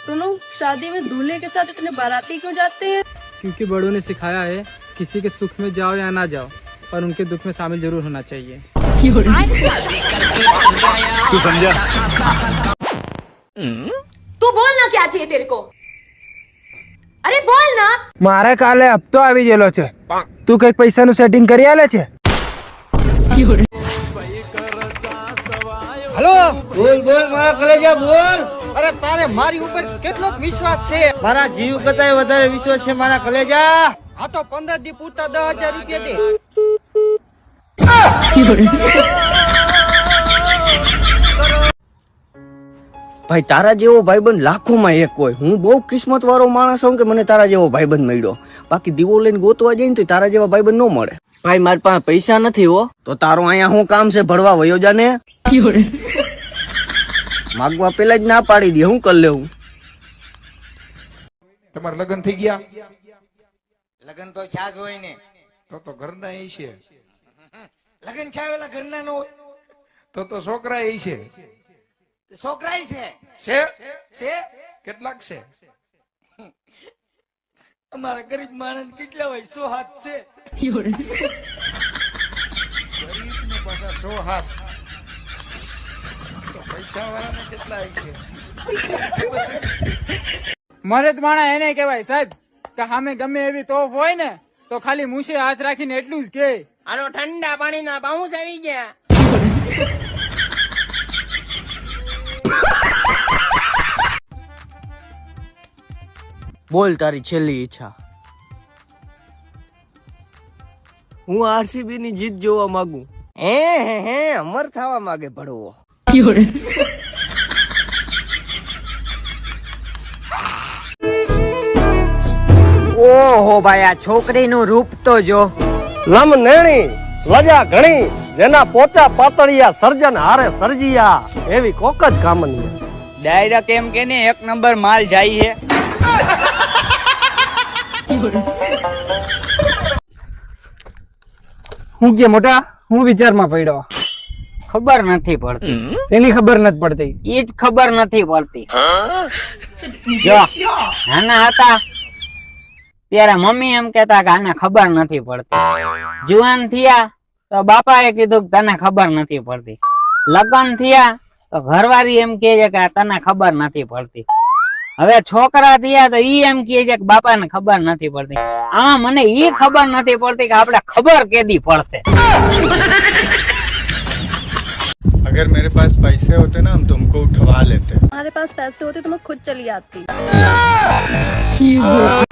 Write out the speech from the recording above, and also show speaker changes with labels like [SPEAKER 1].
[SPEAKER 1] सुनो, शादी में दूल्हे के साथ इतने बाराती क्यों जाते हैं?
[SPEAKER 2] क्योंकि बड़ों ने सिखाया है किसी के सुख में जाओ या ना जाओ, पर उनके दुख में शामिल जरूर होना चाहिए।
[SPEAKER 3] तू समझा?
[SPEAKER 4] तू बोल ना, क्या चाहिए तेरे को? अरे बोल ना।
[SPEAKER 5] मारे काले हफ्तो આવી ગયેલો છે, તું કઈક પૈસાનું સેટિંગ કરી આલે છે?
[SPEAKER 6] हेलो, बोल बोल मारा कलेजा बोल। अरे तारे मारी ऊपर કેટલો વિશ્વાસ છે? મારા જીવ કરતા વધારે વિશ્વાસ છે મારા કલેજા। આ તો 15 દી પૂરતા 10,000 રૂપિયા દે।
[SPEAKER 7] ભાઈ તારા જેવો ભાઈબંધ લાખોમાં એક હોય। હું બહુ કિસ્મત વાળો માણસ છું કે મને તારા જેવો ભાઈબંધ મળ્યો। બાકી દીવો લઈને ગોતવા જઈને તો તારા જેવા ભાઈબંધ ન મળે। ભાઈ મારી પાસે પૈસા નથી હો। તો તારો અહીંયા શું કામ છે? ભરવા વયો જાને। માગવા પેલા જ ના પાડી દે, હું કરી લેવું?
[SPEAKER 8] તમારે લગ્ન થઈ ગયા?
[SPEAKER 6] લગન તો છાસ હોય ને,
[SPEAKER 8] તો ઘરના એ છે।
[SPEAKER 6] લગન છાવેલા ઘરના નો હોય
[SPEAKER 8] તો છોકરા એ છે।
[SPEAKER 6] છોકરાય છે
[SPEAKER 8] છે
[SPEAKER 6] છે
[SPEAKER 8] કેટલાક છે?
[SPEAKER 6] અમારા ગરીબ માણસ કેટલા હોય? 100 હાથ છે।
[SPEAKER 8] ગરીબને પાછા 100 હાથ, તો પૈસા વાળાને કેટલા છે?
[SPEAKER 2] મરદ માણા એને કહેવાય સાહેબ કે સામે ગમે એવી તોફ હોય ને તો ખાલી મૂછે હાથ રાખીને એટલું જ કે
[SPEAKER 7] આનો ઠંડા પાણીના બાઉન્સ આવી ગયા। બોલ તારી છેલ્લી ઈચ્છા। હું આરસીબી ની જીત જોવા માંગુ। હે અમર થવા માંગે ભડવો।
[SPEAKER 9] ઓહો ભાઈ, આ છોકરીનું રૂપ તો જો।
[SPEAKER 5] લમ નેણી લજા ઘણી, જેના પોચા પાતળિયા સર્જન હારે સર્જિયા, એવી કોક જ કામની।
[SPEAKER 9] ડાયરેક્ટ એમ કે ને 1 નંબર માલ જાય છે।
[SPEAKER 5] હું કે મોટા, હું વિચારમાં પડ્યો?
[SPEAKER 9] ખબર નથી પડતી।
[SPEAKER 5] એની ખબર નથી પડતી?
[SPEAKER 9] એ જ ખબર નથી પડતી। જો નાના હતા ત્યારે મમ્મી એમ કેતા કે આને ખબર નથી પડતી। જુવાન થયા તો બાપાએ કીધું કે તને ખબર નથી પડતી। લગ્ન થયા તો ઘરવાળી એમ કહે છે કે તને ખબર નથી પડતી। હવે છોકરા થયા તો ઈ એમ કહે છે કે બાપાને ખબર નથી પડતી। આમાં મને ઈ ખબર નથી પડતી કે આપણે ખબર કેદી પડશે।
[SPEAKER 3] अगर मेरे पास पैसे होते ना हम तुमको उठवा लेते।
[SPEAKER 1] हमारे पास पैसे होते तो मैं खुद चली आती।